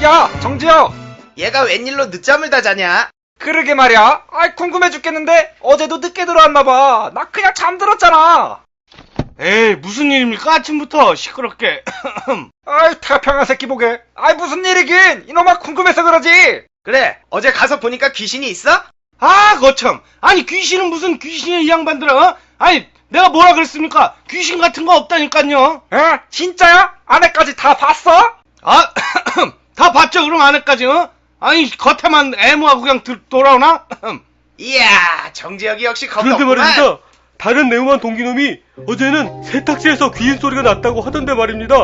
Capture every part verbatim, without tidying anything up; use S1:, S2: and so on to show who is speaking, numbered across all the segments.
S1: 야, 정지혁!
S2: 얘가 웬일로 늦잠을 다 자냐?
S1: 그러게 말이야. 아이, 궁금해 죽겠는데? 어제도 늦게 들어왔나봐. 나 그냥 잠들었잖아.
S3: 에이, 무슨 일입니까? 아침부터 시끄럽게.
S1: 아이, 태평한 새끼 보게. 아이, 무슨 일이긴! 이놈아, 궁금해서 그러지!
S2: 그래, 어제 가서 보니까 귀신이 있어?
S3: 아, 거참. 아니, 귀신은 무슨 귀신이야, 이 양반들아, 어? 아니, 내가 뭐라 그랬습니까? 귀신 같은 거 없다니까요.
S1: 에? 진짜야? 안에까지 다 봤어?
S3: 아, 다 봤죠, 그럼 안에까지, 어? 아니, 겉에만 애무하고 그냥 들, 돌아오나?
S2: 이야, 정지혁이 역시 겁이
S4: 그런데
S2: 없구만.
S4: 말입니다. 다른 내용한 동기놈이 어제는 세탁실에서 귀인 소리가 났다고 하던데 말입니다.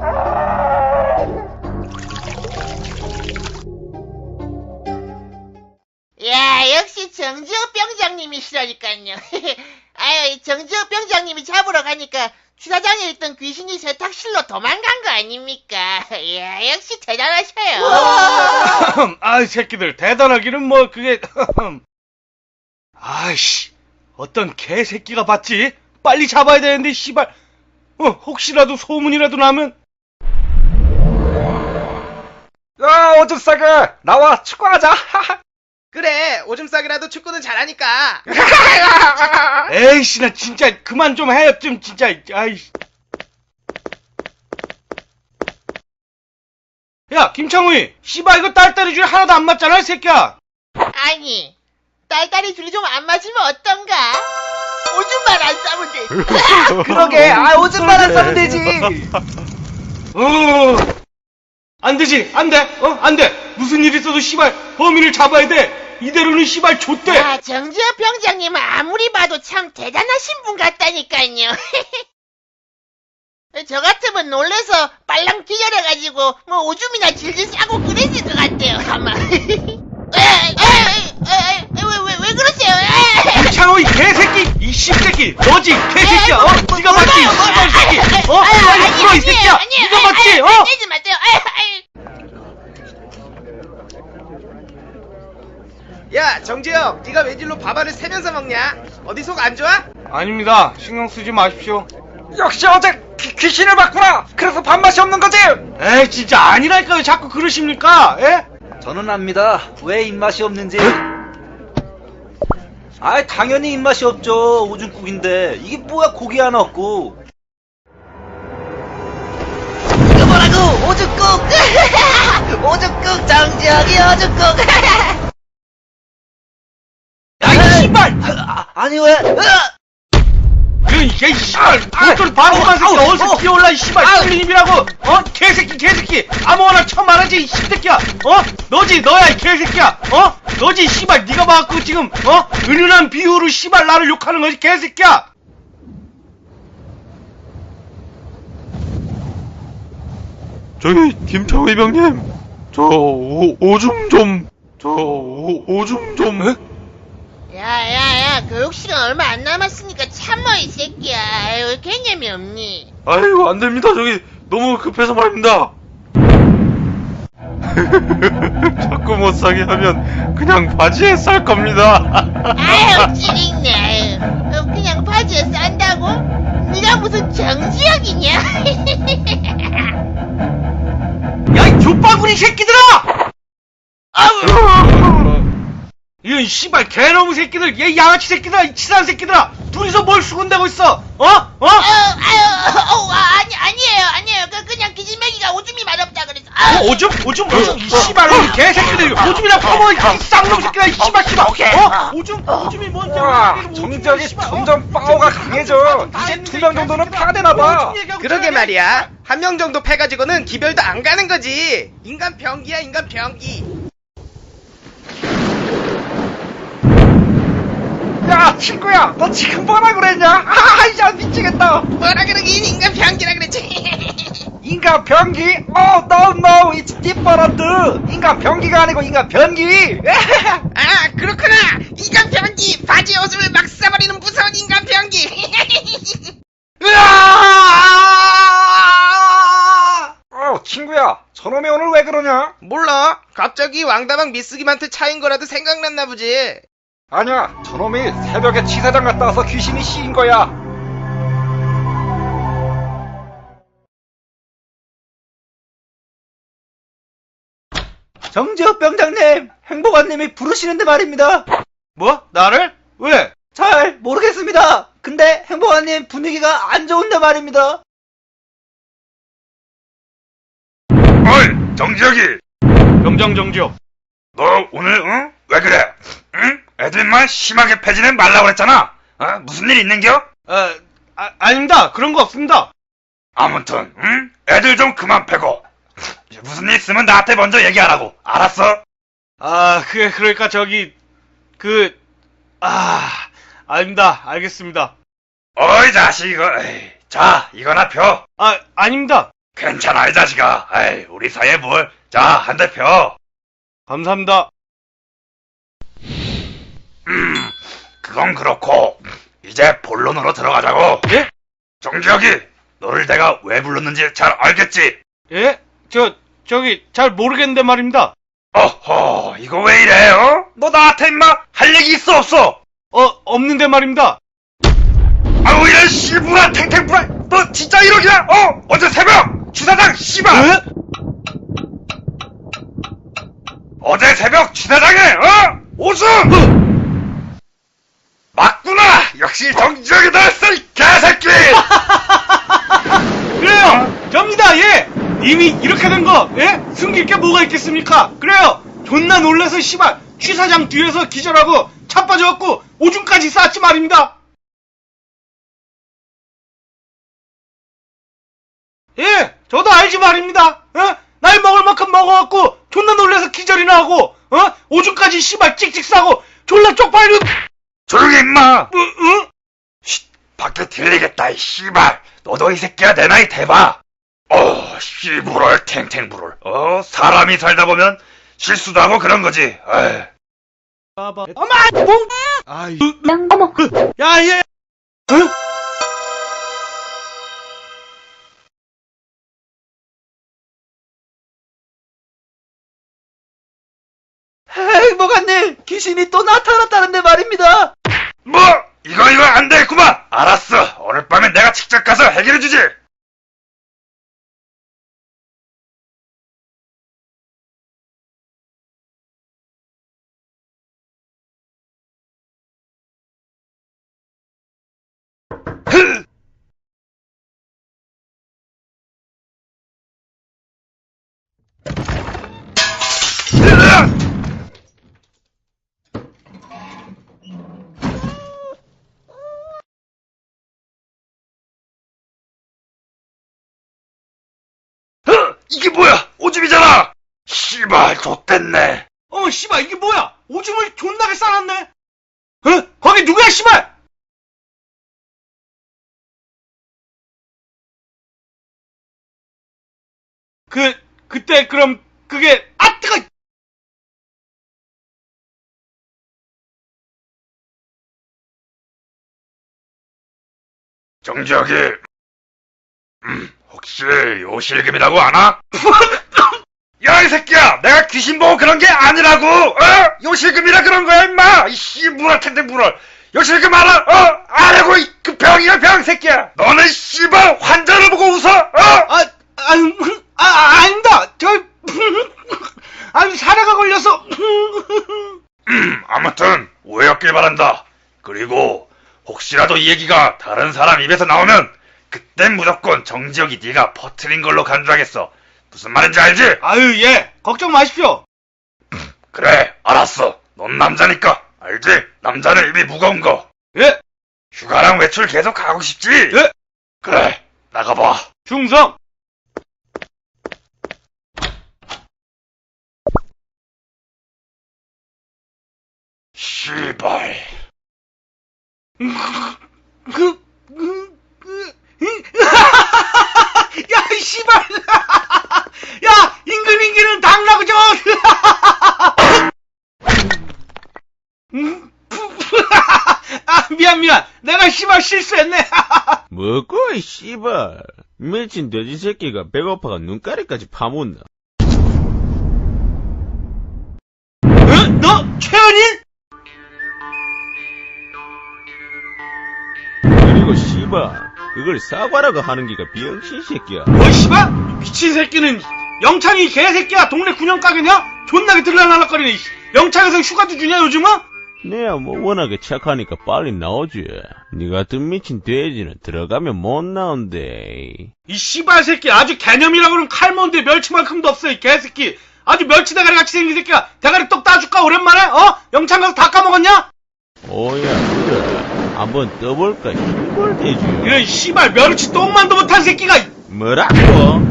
S5: 야, 역시 정지혁 병장님이시라니까요. 아유, 정지혁 병장님이 잡으러 가니까 주차장에 있던 귀신이 세탁실로 도망간 거 아닙니까? 야, 역시 대단하셔요.
S3: 아이, 새끼들, 대단하기는 뭐, 그게, 아이씨, 어떤 개새끼가 봤지? 빨리 잡아야 되는데, 씨발, 어, 혹시라도 소문이라도 나면,
S1: 야, 오줌 싸게! 나와, 축구하자!
S2: 그래, 오줌 싸기라도 축구는 잘하니까.
S3: 에이씨, 나 진짜, 그만 좀 해, 좀, 진짜, 아이씨. 야, 김창우이, 씨발, 이거 딸딸이 줄 하나도 안 맞잖아, 이 새끼야!
S5: 아니, 딸딸이 둘이 좀 안 맞으면 어떤가? 오줌만 안 싸면 돼.
S1: 그러게, 아, 오줌만 안 싸면 되지!
S3: 어, 안 되지, 안 돼, 어, 안 돼. 무슨 일 있어도 씨발, 범인을 잡아야 돼. 이대로는 씨발 좆대.
S5: 야, 정지혁 병장님은 아무리 봐도 참 대단하신 분 같다니까요. 저 같으면 놀래서 빨랑 기절해가지고 뭐 오줌이나 질질 싸고 그랬을 것 같아요, 아마. 왜왜왜 왜 그러세요?
S3: 김창호 이 개새끼, 이 씹새끼, 너지 개새끼야, 어?
S5: 뭐,
S3: 네가 맞지, 이 씨발 새끼, 어? 빨리 풀어 이 새끼야, 네가 맞지, 어?
S5: 내지 마세요.
S2: 야, 정지혁, 네가 웬일로 밥알을 세면서 먹냐? 어디 속 안 좋아?
S3: 아닙니다. 신경 쓰지 마십시오.
S1: 역시 어제 귀, 귀신을 봤구나! 그래서 밥맛이 없는 거지!
S3: 에이, 진짜 아니라니까요. 자꾸 그러십니까? 예?
S6: 저는 압니다. 왜 입맛이 없는지. 아이, 당연히 입맛이 없죠. 오줌국인데. 이게 뭐야, 고기 하나 없고.
S5: 이거 뭐라고? 오죽국! 오죽국 정지혁이 오죽국!
S3: 야, 이 씨발!
S6: 아, 아니, 왜? 으아!
S3: 그, 이게, 씨발! 어쩔 바보만 새끼 어디서 뛰어올라, 이 씨발! 쏠림이라고! 어? 개새끼, 개새끼! 아무거나 쳐 말하지, 이 씨새끼야! 어? 너지, 너야, 이 개새끼야! 어? 너지, 씨발! 네가 봐갖고 지금, 어? 은은한 비유로 씨발 나를 욕하는 거지, 개새끼야!
S4: 저기 김창우 이병님, 저 오, 오줌 좀, 저 오, 오줌 좀. 에?
S5: 야야야, 교육시간 얼마 안 남았으니까 참어 이 새끼야. 아유, 개념이 없니?
S4: 아이고 안 됩니다. 저기 너무 급해서 말입니다. 자꾸 못 사게 하면 그냥 바지에 쌀 겁니다.
S5: 아유, 찌릿네. 아유, 어, 그냥 바지에 싼다고? 네가 무슨 정지혁이냐?
S3: 야, 이 족바구니 새끼들아! 이런 씨발 개놈의 새끼들, 얘 양아치 새끼들아, 이 치사한 새끼들아! 둘이서 뭘 수군대고 있어? 어? 어?
S5: 아유, 아유, 어, 아, 아니, 아니에요, 아니에요. 그, 그냥 기진맥이가 오줌이 맛없다 그래서. 아유.
S3: 어, 오줌? 오줌? 오줌? 이 씨발, 이 개새끼들! 오줌이나 퍼먹어, 이 쌍놈 새끼들아, 이 씨발, 씨발! 어? 오줌? 오줌이 뭔지
S1: 와,
S3: 알아?
S1: 정지혁이 점점 파워가 강해져. 이제 두 명 정도는 파되나봐.
S2: 그러게 말이야. 한 명 정도 패가지고는 기별도 안 가는 거지. 인간 병기야, 인간 병기.
S1: 야, 친구야, 너 지금 뭐라 그랬냐? 아, 야, 미치겠다.
S2: 뭐라 그러긴 인간 병기라 그랬지.
S1: 인간 변기? Oh, no, no, it's different. 인간 변기가 아니고 인간 변기.
S2: 아, 그렇구나. 인간 병기. 바지에 오줌을 막 싸버리는 무서운 인간 병기.
S1: 으아! 어, 친구야, 저놈이 오늘 왜 그러냐?
S2: 몰라. 갑자기 왕다방 미쓰기한테 차인 거라도 생각났나 보지.
S1: 아니야, 저놈이 새벽에 치사장 갔다 와서 귀신이 씌인 거야.
S6: 정지혁 병장님, 행복한님이 부르시는데 말입니다.
S3: 뭐? 나를? 왜?
S6: 잘 모르겠습니다. 근데 행복한님 분위기가 안 좋은데 말입니다.
S4: 어이, 정지혁이.
S3: 병장 정지혁.
S4: 너 오늘, 응? 왜 그래? 응? 애들만 심하게 패지는 말라고 그랬잖아. 어? 무슨 일 있는겨?
S3: 아, 아, 아닙니다. 그런 거 없습니다.
S4: 아무튼, 응? 애들 좀 그만 패고. 무슨 일 있으면 나한테 먼저 얘기하라고. 알았어?
S3: 아, 그게, 그러니까 저기, 그, 아, 아닙니다. 알겠습니다.
S4: 어이, 자식, 이거. 에이, 자, 이거나 펴.
S3: 아, 아닙니다.
S4: 괜찮아, 이 자식아. 에이, 우리 사이에 뭘. 자, 한 대 펴.
S3: 감사합니다.
S4: 음, 그건 그렇고, 이제 본론으로 들어가자고.
S3: 예?
S4: 정지혁이, 너를 내가 왜 불렀는지 잘 알겠지?
S3: 예? 저, 저기, 잘 모르겠는데 말입니다.
S4: 어허, 이거 왜 이래, 어? 너 나한테 임마 할 얘기 있어, 없어?
S3: 어, 없는데 말입니다.
S4: 아우, 이런 씨부라, 탱탱부라, 너 진짜 이러기야, 어? 어제 새벽, 주사장, 씨발!
S3: 예?
S4: 어제 새벽 주사장에, 어? 오줌! 맞구나! 역시 정지혁이다, 이 개새끼!
S3: 그래요! 접니다, 예! 이미 이렇게 된 거, 예? 숨길 게 뭐가 있겠습니까? 그래요! 존나 놀라서 씨발, 취사장 뒤에서 기절하고, 차 빠져갖고, 오줌까지 쌌지 말입니다! 예! 저도 알지 말입니다! 어? 날 먹을 만큼 먹어갖고, 존나 놀라서 기절이나 하고, 어? 오줌까지 씨발 찍찍 싸고, 졸라 쪽팔려,
S4: 조용히 임마!
S3: 어, 어?
S4: 쉿, 밖에 들리겠다, 이 씨발. 너도 이 새끼야 내 나이 대봐. 어, 씨부럴 탱탱부럴. 어, 사람이 살다 보면 실수도 하고 그런 거지. 에이.
S3: 봐봐. 어마! 뭐? 아이. 어머. 그, 야, 얘. 응?
S6: 행복한님, 귀신이 또 나타났다는데 말입니다.
S4: 뭐? 이거 이거 안 되겠구만. 알았어. 오늘 밤에 내가 직접 가서 해결해주지. 이게 뭐야? 오줌이잖아! 씨발, 좆됐네.
S3: 어머, 씨발, 이게 뭐야? 오줌을 존나게 싸놨네? 어? 거기 누구야, 씨발? 그, 그때, 그럼, 그게, 아, 뜨거!
S4: 정지혁이, 음, 혹시 요실금이라고 아나? 야, 이 새끼야! 내가 귀신 보고 그런 게 아니라고! 어? 요실금이라 그런 거야, 임마! 이 씨부럴 텐데, 물을! 요실금 알아? 어? 아라고, 이, 그 병이야, 병, 새끼야! 너는 씨발, 환자를 보고 웃어! 어?
S3: 아, 아, 아, 아 아닙니다! 저, 아니, 사례가 걸려서,
S4: 음, 아무튼, 오해였길 바란다. 그리고, 혹시라도 이 얘기가 다른 사람 입에서 나오면, 그땐 무조건 정지혁이 네가 퍼뜨린 걸로 간주하겠어. 무슨 말인지 알지?
S3: 아유, 예, 걱정 마십시오.
S4: 그래, 알았어. 넌 남자니까. 알지? 남자는 입이 무거운 거.
S3: 예,
S4: 휴가랑 외출 계속 가고 싶지?
S3: 예,
S4: 그래, 나가봐.
S3: 충성!
S4: 씨발.
S3: 그, 그, 그, 야, 이 씨발! 야, 임금인기는 당나고 저! 아, 미안, 미안. 내가 씨발 실수했네.
S7: 뭐고 이 씨발 미친 돼지 새끼가 배고파가 눈가리까지 파묻나.
S3: 어? 너, 최연일?
S7: 그리고 씨발 그걸 사과라고 하는 기가 병신 새끼야.
S3: 뭐, 씨발? 미친 새끼는 영창이 개새끼야. 동네 군영 가게냐? 존나게 들락날락거리네. 씨. 영창에서 휴가도 주냐 요즘은?
S7: 내야 뭐 워낙에 착하니까 빨리 나오지. 니 같은 미친 돼지는 들어가면 못 나온대.
S3: 이 씨발 새끼 아주 개념이라 그러면 칼몬데 멸치만큼도 없어 이 개새끼. 아주 멸치 대가리 같이 생긴 새끼야. 대가리 똑 따줄까 오랜만에? 어? 영창 가서 다 까먹었냐?
S7: 오야 그래. 한번 떠볼까 이걸 돼지.
S3: 이런 씨발 멸치 똥만도 못한 새끼가.
S7: 뭐라고?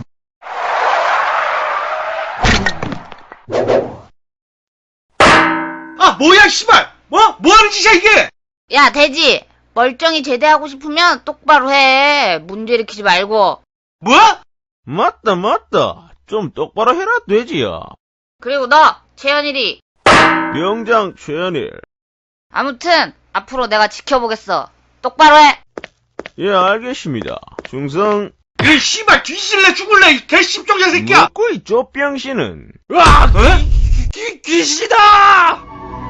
S3: 아 뭐야 씨발. 뭐? 뭐하는 짓이야 이게?
S8: 야, 돼지! 멀쩡히 제대하고 싶으면 똑바로 해. 문제 일으키지 말고.
S3: 뭐?
S7: 맞다 맞다. 좀 똑바로 해라 돼지야.
S8: 그리고 너, 최현일이.
S7: 병장 최현일.
S8: 아무튼, 앞으로 내가 지켜보겠어. 똑바로 해!
S7: 예 알겠습니다. 충성.
S3: 이런 씨발 뒤질래 죽을래 이 개씹종자 새끼야.
S7: 먹고 이 쪼병씨는.
S3: 으아! 어? 귀, 귀신이다!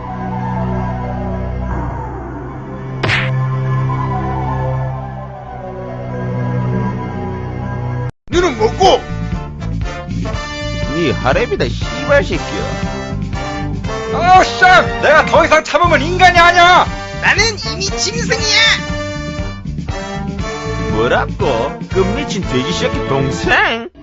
S4: 너는 뭐고?
S7: 니 하랩이다 씨발 새끼야.
S1: 어, 쌍! 내가 더 이상 참으면 인간이 아니야!
S2: 나는 이미 짐승이야.
S7: 뭐라고? 그 미친 돼지 새끼 동생?